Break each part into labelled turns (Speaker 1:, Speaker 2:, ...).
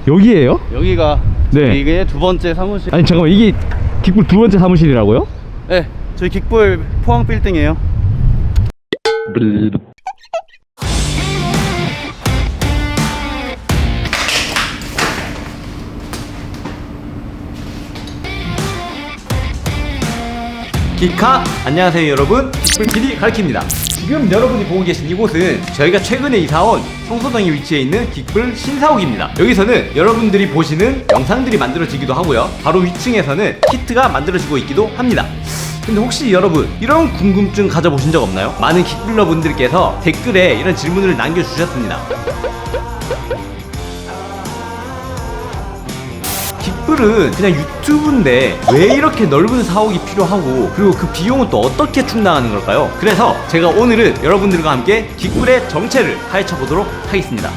Speaker 1: 여기에요?
Speaker 2: 여기가
Speaker 1: 네.
Speaker 2: 이게 두 번째 사무실.
Speaker 1: 아니 잠깐만, 이게 긱불 두 번째 사무실이라고요?
Speaker 2: 네, 저희 긱불 포항 빌딩이에요.
Speaker 3: 기카! 안녕하세요 여러분, 긱불 PD 가르칩니다. 지금 여러분이 보고 계신 이곳은 저희가 최근에 이사온 성소동에 위치해 있는 긱불 신사옥입니다. 여기서는 여러분들이 보시는 영상들이 만들어지기도 하고요, 바로 위층에서는 키트가 만들어지고 있기도 합니다. 근데 혹시 여러분 이런 궁금증 가져보신 적 없나요? 많은 긱불러 분들께서 댓글에 이런 질문을 남겨주셨습니다. 긱불은 그냥 유튜브인데 왜 이렇게 넓은 사옥이 필요하고, 그리고 그 비용은 또 어떻게 충당하는 걸까요? 그래서 제가 오늘은 여러분들과 함께 긱불의 정체를 파헤쳐 보도록 하겠습니다.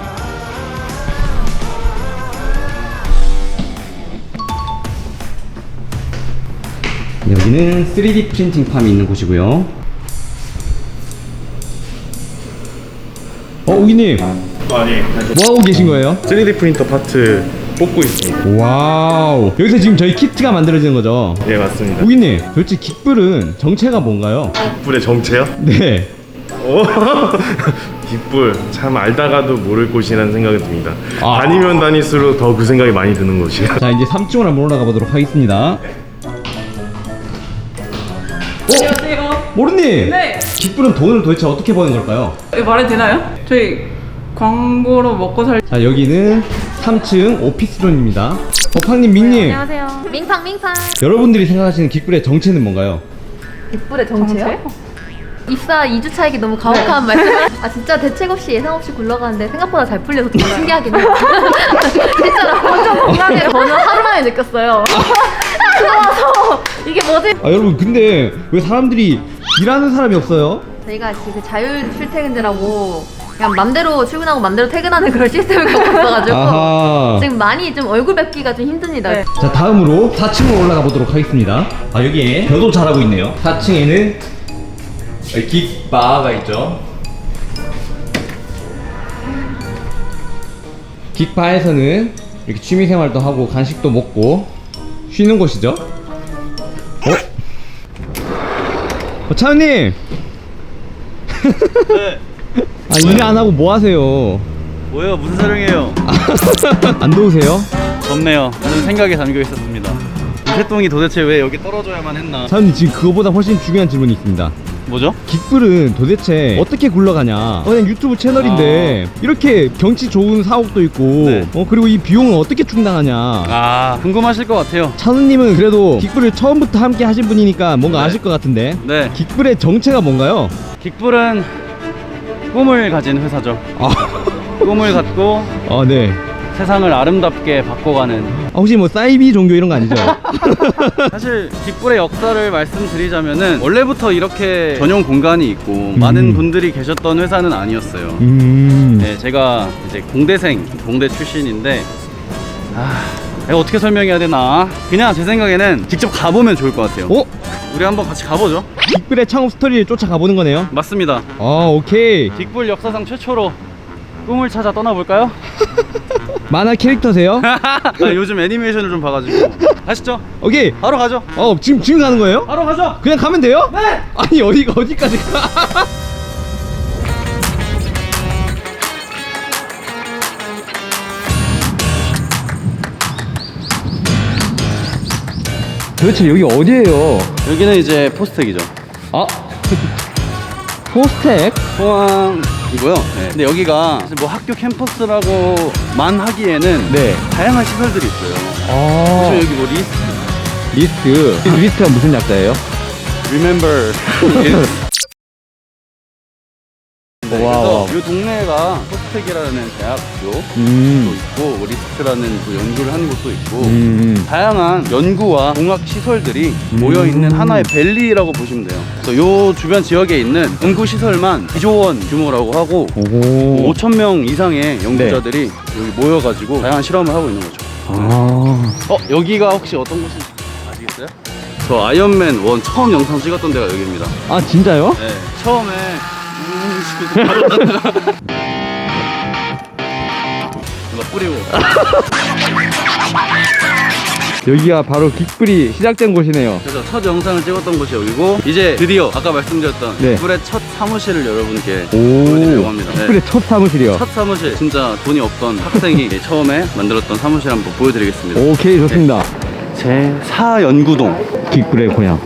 Speaker 1: 여기는 3D 프린팅 팜이 있는 곳이고요. 우기님,
Speaker 4: 아니,
Speaker 1: 뭐하고 계신 거예요?
Speaker 4: 3D 프린터 파트 뽑고 있습니다.
Speaker 1: 와우, 여기서 지금 저희 키트가 만들어지는 거죠?
Speaker 4: 네, 맞습니다.
Speaker 1: 우기님, 도대체 긱불은 정체가 뭔가요?
Speaker 4: 깃불의 정체요?
Speaker 1: 네.
Speaker 4: 오, 깃불 참 알다가도 모를 곳이라는 생각이 듭니다.
Speaker 1: 아.
Speaker 4: 다니면 다닐수록 더 그 생각이 많이 드는 곳이에요.
Speaker 1: 자, 이제 3층으로 한번 올라가 보도록 하겠습니다.
Speaker 5: 안녕하세요.
Speaker 1: 모르님!
Speaker 5: 네.
Speaker 1: 깃불은 돈을 도대체 어떻게 버는 걸까요?
Speaker 5: 이거 말해도 되나요? 저희 광고로 먹고 살.
Speaker 1: 자, 여기는 3층 오피스존입니다. 팡님, 민님,
Speaker 6: 안녕하세요. 밍팡.
Speaker 1: 여러분들이 생각하시는 깃불의 정체는 뭔가요?
Speaker 6: 깃불의 정체요? 입사 2주 차이기 너무 가혹한 말씀. 아 진짜 대책 없이 예상 없이 굴러가는데 생각보다 잘 풀려서 되게 신기하긴 해요. 진짜로 완전 공감해. 저는 하루 만에 느꼈어요. 들어와서 이게 뭐지?
Speaker 1: 여러분, 근데 왜 사람들이 일하는 사람이 없어요?
Speaker 6: 저희가 지금 자율 출퇴근제라고 그냥 맘대로 출근하고 맘대로 퇴근하는 그런 시스템을 갖고 있어가지고
Speaker 1: 아하.
Speaker 6: 지금 많이 좀 얼굴 뵙기가 좀 힘듭니다.
Speaker 5: 네.
Speaker 1: 자, 다음으로 4층으로 올라가 보도록 하겠습니다. 여기에 벼도 잘하고 있네요. 4층에는 긱바가 있죠. 긱바에서는 이렇게 취미생활도 하고 간식도 먹고 쉬는 곳이죠. 차은님!
Speaker 2: 네.
Speaker 1: 일 안 하고 뭐 하세요?
Speaker 2: 뭐예요? 무슨 촬영이에요?
Speaker 1: 안 더우세요?
Speaker 2: 덥네요. 저는 생각에 잠겨 있었습니다. 이 새똥이 도대체 왜 여기 떨어져야만 했나?
Speaker 1: 차은님, 지금 그거보다 훨씬 중요한 질문이 있습니다.
Speaker 2: 뭐죠?
Speaker 1: 깃불은 도대체 어떻게 굴러가냐? 그냥 유튜브 채널인데 이렇게 경치 좋은 사옥도 있고,
Speaker 2: 네.
Speaker 1: 그리고 이 비용은 어떻게 충당하냐?
Speaker 2: 아, 궁금하실 것 같아요.
Speaker 1: 찬우님은 그래도 깃불을 처음부터 함께 하신 분이니까 뭔가
Speaker 2: 네.
Speaker 1: 아실 것 같은데,
Speaker 2: 네,
Speaker 1: 깃불의 정체가 뭔가요?
Speaker 2: 긱불은 꿈을 가진 회사죠.
Speaker 1: 아,
Speaker 2: 꿈을 갖고
Speaker 1: 네.
Speaker 2: 세상을 아름답게 바꿔가는.
Speaker 1: 혹시 뭐 사이비 종교 이런 거 아니죠?
Speaker 2: 사실 긱불의 역사를 말씀드리자면은 원래부터 이렇게 전용 공간이 있고 많은 분들이 계셨던 회사는 아니었어요. 네, 제가 이제 공대 출신인데, 내가 어떻게 설명해야 되나? 그냥 제 생각에는 직접 가보면 좋을 것 같아요. 우리 한번 같이 가보죠.
Speaker 1: 깃불의 창업 스토리를 쫓아가 보는 거네요.
Speaker 2: 맞습니다.
Speaker 1: 오케이.
Speaker 2: 긱불 역사상 최초로 꿈을 찾아 떠나볼까요?
Speaker 1: 만화 캐릭터세요?
Speaker 2: 요즘 애니메이션을 좀 봐가지고. 가시죠.
Speaker 1: 오케이.
Speaker 2: 바로 가죠.
Speaker 1: 지금 가는 거예요?
Speaker 2: 바로 가죠.
Speaker 1: 그냥 가면 돼요?
Speaker 2: 네.
Speaker 1: 아니, 어디까지 가? 도대체 여기 어디예요?
Speaker 2: 여기는 이제 포스텍이죠.
Speaker 1: 포스텍?
Speaker 2: 포항이고요. 네. 근데 여기가 사실 뭐 학교 캠퍼스라고만 하기에는
Speaker 1: 네.
Speaker 2: 다양한 시설들이 있어요. 그래서 여기 뭐
Speaker 1: 리스트가 무슨 약자예요?
Speaker 2: Remember 네,
Speaker 1: 와우.
Speaker 2: 그래서 이 동네가 포스텍이라는 대학교도
Speaker 1: 음.
Speaker 2: 있고 뭐 리스트라는 그 연구를 하는 곳도 있고 다양한 연구와 공학 시설들이 모여있는 하나의 밸리라고 보시면 돼요. 그래서 요 주변 지역에 있는 연구 시설만 2조 원 규모라고 하고 5,000명 이상의 연구자들이 여기 모여가지고 다양한 실험을 하고 있는 거죠. 여기가 혹시 어떤 곳인지 아시겠어요? 저 아이언맨 1 처음 영상 찍었던 데가 여기입니다.
Speaker 1: 진짜요?
Speaker 2: 네, 처음에 뿌리고.
Speaker 1: 여기가 바로 긱불이 시작된 곳이네요.
Speaker 2: 그래서 첫 영상을 찍었던 곳이 여기고 이제 드디어 아까 말씀드렸던
Speaker 1: 네.
Speaker 2: 긱불의 첫 사무실을 여러분께 보여드리려고 합니다. 네.
Speaker 1: 긱불의 첫 사무실이요.
Speaker 2: 첫 사무실, 진짜 돈이 없던 학생이 처음에 만들었던 사무실 한번 보여드리겠습니다.
Speaker 1: 오케이, 좋습니다.
Speaker 2: 제4연구동.
Speaker 1: 긱불의 고향.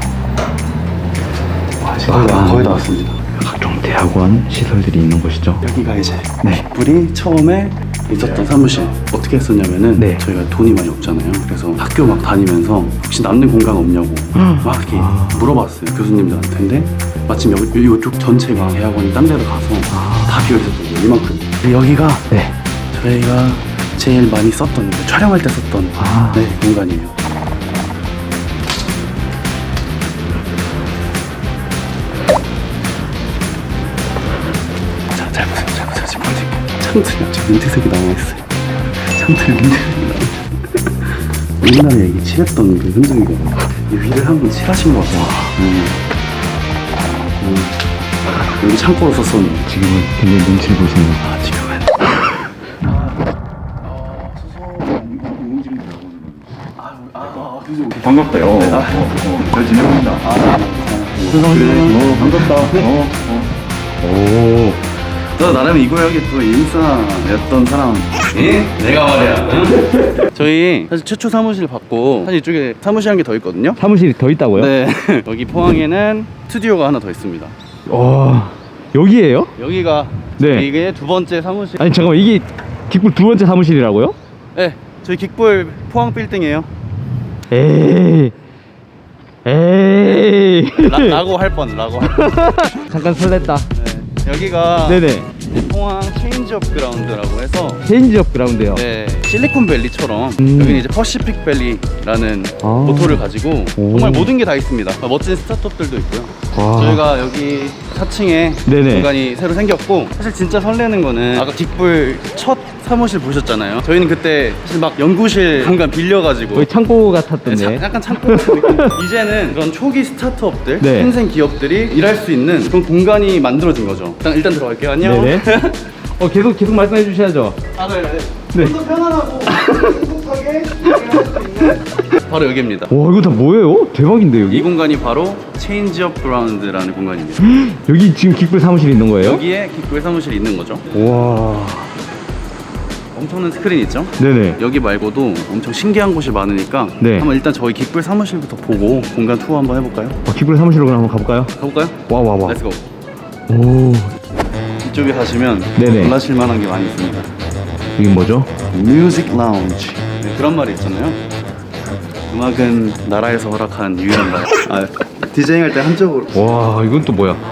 Speaker 2: 거의 다 왔습니다.
Speaker 1: 각종 대학원 시설들이 있는 곳이죠.
Speaker 2: 여기가 이제
Speaker 1: 네.
Speaker 2: 긱불이 처음에 있었던 사무실. 어떻게 했었냐면은
Speaker 1: 네.
Speaker 2: 저희가 돈이 많이 없잖아요. 그래서 학교 막 다니면서 혹시 남는 공간 없냐고 막 이렇게 물어봤어요, 교수님들한테. 근데 마침 이쪽 전체가 대학원이 딴 데로 가서 다 비어있었던 거예요. 이만큼. 여기가
Speaker 1: 네.
Speaker 2: 저희가 제일 많이 썼던, 촬영할 때 썼던 네, 공간이에요. 자, 잘 보세요. 지금 창틀이 아직 민트색이 남아있어요. 창틀이 민트색이 남아있어요. 옛날에 여기 칠했던 그 흔적이거든요. 이 위를 한번 칠하신 것 같아요. 여기 창고로 썼었는데
Speaker 1: 지금은 굉장히 눈치를 보시네요.
Speaker 2: 지금은
Speaker 7: 반갑다요. 잘 지내봅니다. 반갑다.
Speaker 1: 오.
Speaker 2: 너 나름 이 구역에 또 인싸였던 사람. 예? 내가 말이야. 저희 사실 최초 사무실 받고 사실 이쪽에 사무실 한 개 더 있거든요.
Speaker 1: 사무실이 더 있다고요?
Speaker 2: 네. 여기 포항에는 스튜디오가 하나 더 있습니다.
Speaker 1: 와, 여기에요?
Speaker 2: 여기가
Speaker 1: 네.
Speaker 2: 이게 두 번째 사무실.
Speaker 1: 아니 잠깐만, 이게 긱불 두 번째 사무실이라고요?
Speaker 2: 네. 저희 긱불 포항 빌딩이에요.
Speaker 1: 에이.
Speaker 2: 라고 할 뻔.
Speaker 1: 잠깐 설렜다.
Speaker 2: 네. 여기가
Speaker 1: 네네.
Speaker 2: 포항 체인지업 그라운드라고 해서
Speaker 1: 체인지업 그라운드요.
Speaker 2: 네, 실리콘밸리처럼 여기는 이제 퍼시픽밸리라는
Speaker 1: 아.
Speaker 2: 모토를 가지고
Speaker 1: 오.
Speaker 2: 정말 모든 게 다 있습니다. 멋진 스타트업들도 있고요.
Speaker 1: 와.
Speaker 2: 저희가 여기 4층에
Speaker 1: 네네.
Speaker 2: 공간이 새로 생겼고, 사실 진짜 설레는 거는 아까 긱불 첫 사무실 보셨잖아요. 저희는 그때 사실 막 연구실 공간 빌려가지고
Speaker 1: 거의 창고 같았던데.
Speaker 2: 약간 창고 같은 느낌. 이제는 그런 초기 스타트업들,
Speaker 1: 네.
Speaker 2: 신생 기업들이 일할 수 있는 그런 공간이 만들어진 거죠. 일단 들어갈게요. 안녕.
Speaker 1: 네네. 계속 말씀해 주셔야죠. 네.
Speaker 2: 좀 더 편안하고 행복하게 일할 수 있는 바로 여기입니다.
Speaker 1: 와, 이거 다 뭐예요? 대박인데
Speaker 2: 이
Speaker 1: 여기?
Speaker 2: 공간이 바로 체인지업 그라운드라는 공간입니다.
Speaker 1: 여기 지금 긱불 사무실이 있는 거예요?
Speaker 2: 여기에 긱불 사무실이 있는 거죠.
Speaker 1: 와.
Speaker 2: 엄청난 스크린 있죠?
Speaker 1: 네네.
Speaker 2: 여기 말고도 엄청 신기한 곳이 많으니까
Speaker 1: 네.
Speaker 2: 한번 일단 저희 긱불 사무실부터 보고 공간 투어 한번 해볼까요?
Speaker 1: 긱불 사무실로 그럼 한번 가볼까요?
Speaker 2: 가볼까요?
Speaker 1: 와.
Speaker 2: 렛츠고.
Speaker 1: 오.
Speaker 2: 이쪽에 가시면
Speaker 1: 네네.
Speaker 2: 놀라실 만한 게 많이 있습니다.
Speaker 1: 이게 뭐죠?
Speaker 2: 뮤직 라운지. 네, 그런 말이 있잖아요. 음악은 나라에서 허락한 유일한 말. 디제잉 할 때 한쪽으로.
Speaker 1: 와, 이건 또 뭐야?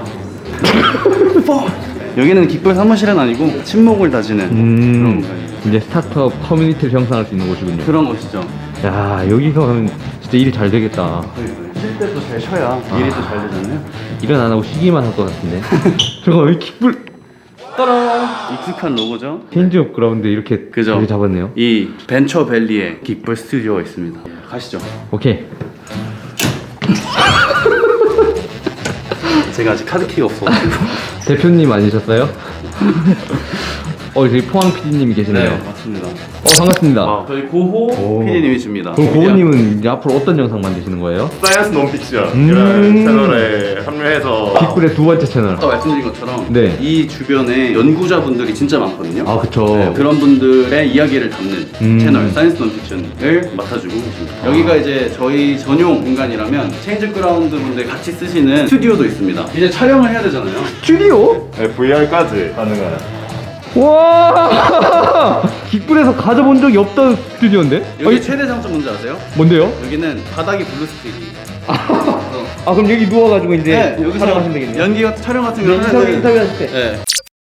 Speaker 2: 여기는 긱불 사무실은 아니고 침묵을 다지는 그런 공간이에요.
Speaker 1: 이제 스타트업 커뮤니티를 형성할 수 있는 곳이군요.
Speaker 2: 그런 곳이죠.
Speaker 1: 야, 여기서 가면 진짜 일이 잘 되겠다.
Speaker 2: 쉴 때도 잘 쉬어야 일이 또 잘 되잖아요.
Speaker 1: 일은 안 하고 쉬기만 할 것 같은데. 잠깐만, 이 킥불
Speaker 2: 익숙한 로고죠.
Speaker 1: 체인지업 그라운드 이렇게
Speaker 2: 그죠.
Speaker 1: 자리 잡았네요.
Speaker 2: 이 벤처밸리에 긱불 스튜디오가 있습니다. 가시죠.
Speaker 1: 오케이.
Speaker 2: 제가 아직 카드키가 없어가지고.
Speaker 1: 대표님 아니셨어요? 저기 포항 PD님이 계시네요.
Speaker 2: 맞습니다.
Speaker 1: 반갑습니다.
Speaker 2: 저희 고호 PD님이십니다.
Speaker 1: 그럼 고은님은 이제 앞으로 어떤 영상 만드시는 거예요?
Speaker 4: 사이언스 논픽션이라는 채널에 합류해서
Speaker 1: 빅불의 두 번째 채널.
Speaker 2: 아까 말씀드린 것처럼
Speaker 1: 네.
Speaker 2: 이 주변에 연구자분들이 진짜 많거든요.
Speaker 1: 아, 그쵸.
Speaker 2: 네, 그런 분들의 이야기를 담는 채널 사이언스 논픽션을 맡아주고 계십니다. 여기가 이제 저희 전용 공간이라면 체인지 그라운드 분들 같이 쓰시는 스튜디오도 있습니다. 이제 촬영을 해야 되잖아요.
Speaker 1: 스튜디오?
Speaker 4: VR까지 가능한.
Speaker 1: 와! 빅불에서 가져본 적이 없던 스튜디오인데?
Speaker 2: 여기 최대 장점 뭔지 아세요?
Speaker 1: 뭔데요?
Speaker 2: 여기는 바닥이 블루 스크린이.
Speaker 1: 아, 그럼 여기 누워가지고 이제
Speaker 2: 네, 여기서
Speaker 1: 촬영하시면 되겠네요.
Speaker 2: 연기 같은 촬영 같은 거
Speaker 1: 인터뷰 하실 때.
Speaker 2: 네.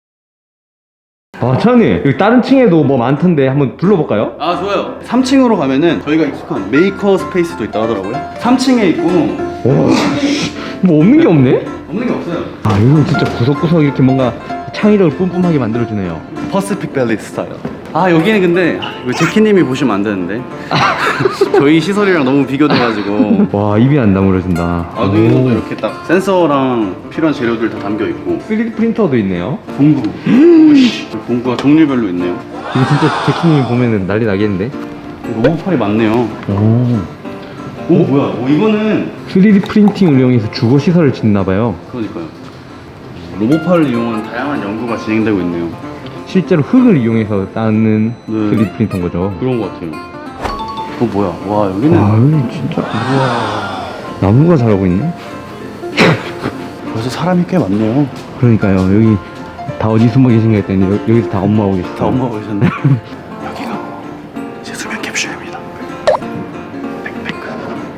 Speaker 1: 아, 차장님, 여기 다른 층에도 뭐 많던데 한번 둘러볼까요?
Speaker 2: 아, 좋아요. 3층으로 가면은 저희가 익숙한 메이커 스페이스도 있다 하더라고요. 3층에 있고
Speaker 1: 와, 뭐 없는 게 없네?
Speaker 2: 없는 게 없어요.
Speaker 1: 아, 여기는 진짜 구석구석 이렇게 뭔가 창의력을 뿜뿜하게 만들어주네요.
Speaker 2: 퍼시픽 밸리 스타일. 아, 여기는 근데 이거 제키님이 보시면 안 되는데 저희 시설이랑 너무 비교돼가지고.
Speaker 1: 와, 입이 안 다물어진다.
Speaker 2: 아, 여기도 이렇게 딱 센서랑 필요한 재료들 다 담겨 있고.
Speaker 1: 3D 프린터도 있네요.
Speaker 2: 공구. 공구가 종류별로 있네요.
Speaker 3: 이거 진짜 제키님이 보면은 난리 나겠는데?
Speaker 2: 로봇팔이 많네요. 오 뭐야? 이거는
Speaker 3: 3D 프린팅을 이용해서 주거 시설을 짓나봐요.
Speaker 2: 그러니까요. 로봇팔을 이용한 다양한 연구가 진행되고 있네요.
Speaker 3: 실제로 흙을 이용해서 따는
Speaker 2: 네.
Speaker 3: 3D 프린터인 거죠.
Speaker 2: 그런 것 같아요. 뭐야? 와 여기는
Speaker 3: 와, 여기 진짜. 나무가 자라고 있네?
Speaker 2: 벌써 사람이 꽤 많네요.
Speaker 3: 그러니까요. 여기 다 어디 숨어 계신가 했더니 여기서 다 업무하고 계시다.
Speaker 2: 다 엄마가 계셨네. 여기가 제 수면 캡슐입니다. 백팩.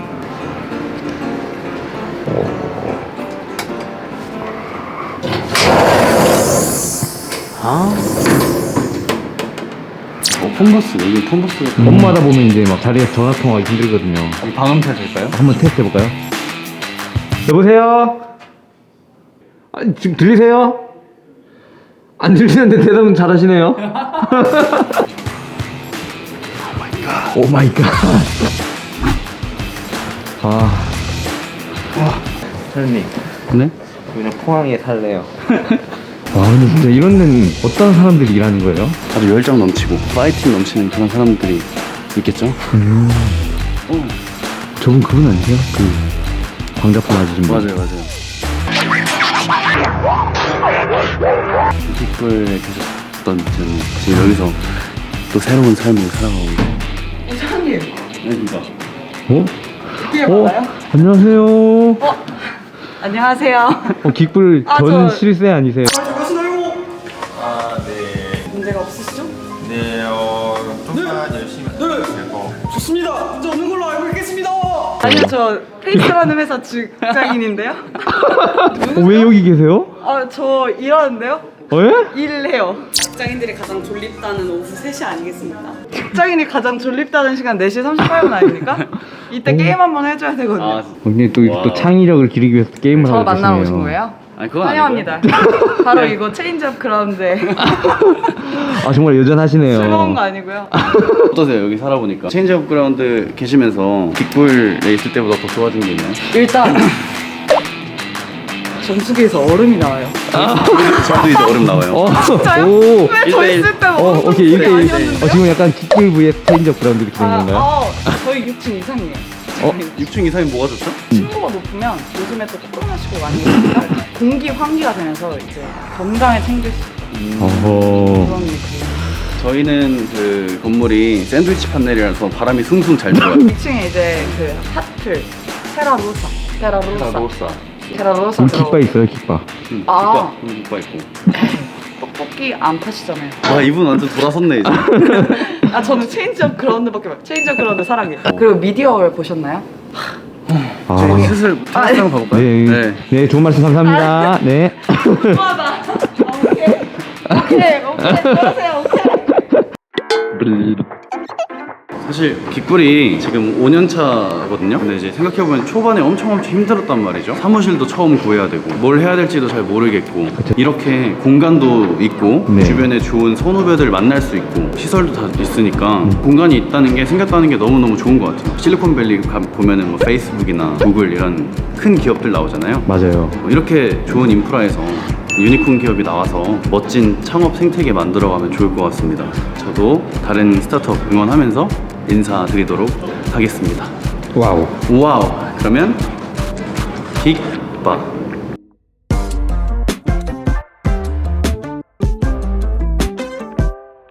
Speaker 2: 폰버스 여기 폰버스가
Speaker 3: 업무하다 보면 이제 막 자리에서 전화 통화하기 힘들거든요.
Speaker 2: 방음 테스트일까요?
Speaker 3: 한번 테스트 해볼까요? 여보세요? 아, 지금 들리세요? 안 들리는데 대답은 잘하시네요. 오 마이 갓. 아. 사장님,
Speaker 2: 네?
Speaker 3: 그냥 포항에 살래요. 와, 근데 진짜 이런 데는 어떤 사람들이 일하는 거예요?
Speaker 2: 아주 열정 넘치고 파이팅 넘치는 그런 사람들이 있겠죠?
Speaker 3: 저분 그분 아니세요? 그 광자포 맞으신 분.
Speaker 2: 맞아요. 빅불에 계셨던 저는 지금 여기서 또 새로운 삶을 살아가고 있어요.
Speaker 5: 이사님
Speaker 2: 네, 진짜.
Speaker 3: 어?
Speaker 5: 이게 맞아요?
Speaker 3: 안녕하세요.
Speaker 5: 안녕하세요.
Speaker 3: 깃불
Speaker 5: 아,
Speaker 3: 전
Speaker 5: 저-
Speaker 3: 실세 아니세요?
Speaker 5: 문제가 없으시죠?
Speaker 8: 네, 좀만 열심히 하고
Speaker 5: 좋습니다. 문제 없는 걸로 알고 있겠습니다. 아니요, 저 페이스라는 회사 직장인인데요.
Speaker 3: 왜 여기 계세요?
Speaker 5: 저 일하는데요.
Speaker 3: 예?
Speaker 5: 일해요. 직장인들이 가장 졸립다는 오후 3시 아니겠습니까? 직장인이 가장 졸립다는 시간 4시 38분 아닙니까? 이때 게임 한번 해줘야 되거든요.
Speaker 2: 아,
Speaker 3: 근데 또 창의력을 기르기 위해서 게임을
Speaker 5: 저
Speaker 3: 하고
Speaker 5: 만나러
Speaker 3: 계시네요.
Speaker 5: 오신 거예요?
Speaker 2: 아니 그건
Speaker 5: 환영합니다. 바로 이거 체인지업 그라운드에
Speaker 3: 아 정말 여전하시네요.
Speaker 5: 즐거운 거 아니고요.
Speaker 2: 어떠세요? 여기 살아보니까 체인지업 그라운드 계시면서 빅불에 있을 때보다 더 좋아진 게 있나요?
Speaker 5: 일단 전투기에서 얼음이 나와요.
Speaker 2: 저도 이제 얼음 나와요.
Speaker 5: 진짜요?
Speaker 3: 오.
Speaker 5: 왜 저
Speaker 2: 1대1.
Speaker 5: 있을 때는
Speaker 3: 오케이
Speaker 5: 얼음
Speaker 3: 이렇게
Speaker 5: 아니었는데요?
Speaker 3: 지금 약간 깃불 vs 체인지업 그라운드 이렇게 되는 건가요?
Speaker 5: 저희 6층 이상이에요.
Speaker 2: 6층 이상이 뭐가 좋죠?
Speaker 5: 층고가 높으면 요즘에 또 코로나19가 많이 오니까 공기 환기가 되면서 이제 건강에 챙길 수 있는
Speaker 3: 어허.
Speaker 5: 그런 느낌.
Speaker 2: 저희는 그 건물이 샌드위치 판넬이라서 바람이 숭숭 잘 들어요.
Speaker 5: 2층에 이제 그 하틀 테라로사
Speaker 3: 그럼 깃바 있어요 깃바.
Speaker 5: 아.
Speaker 2: 국바 있고.
Speaker 5: 떡볶이 안 파시잖아요.
Speaker 2: 와 이분 완전 돌아섰네 이제.
Speaker 5: 저는 체인지업 그라운드밖에 몰라요. 체인지업 그라운드 사랑해요. 그리고 미디어월 보셨나요?
Speaker 2: 저희 슬슬 테라스랑 가볼까요?
Speaker 3: 네. 네 좋은 말씀 감사합니다. 네.
Speaker 5: 좋아하다. 오케이. 들어가세요. 오케이.
Speaker 2: 사실 깃불이 지금 5년 차거든요. 근데 이제 생각해보면 초반에 엄청 힘들었단 말이죠. 사무실도 처음 구해야 되고 뭘 해야 될지도 잘 모르겠고 이렇게 공간도 있고
Speaker 3: 네.
Speaker 2: 주변에 좋은 선후배들 만날 수 있고 시설도 다 있으니까 공간이 있다는 게 생겼다는 게 너무너무 좋은 것 같아요. 실리콘밸리 보면은 뭐 페이스북이나 구글 이런 큰 기업들 나오잖아요.
Speaker 3: 맞아요.
Speaker 2: 이렇게 좋은 인프라에서 유니콘 기업이 나와서 멋진 창업 생태계 만들어가면 좋을 것 같습니다. 저도 다른 스타트업 응원하면서 인사드리도록 하겠습니다.
Speaker 3: 와우.
Speaker 2: 와우. 그러면 빅바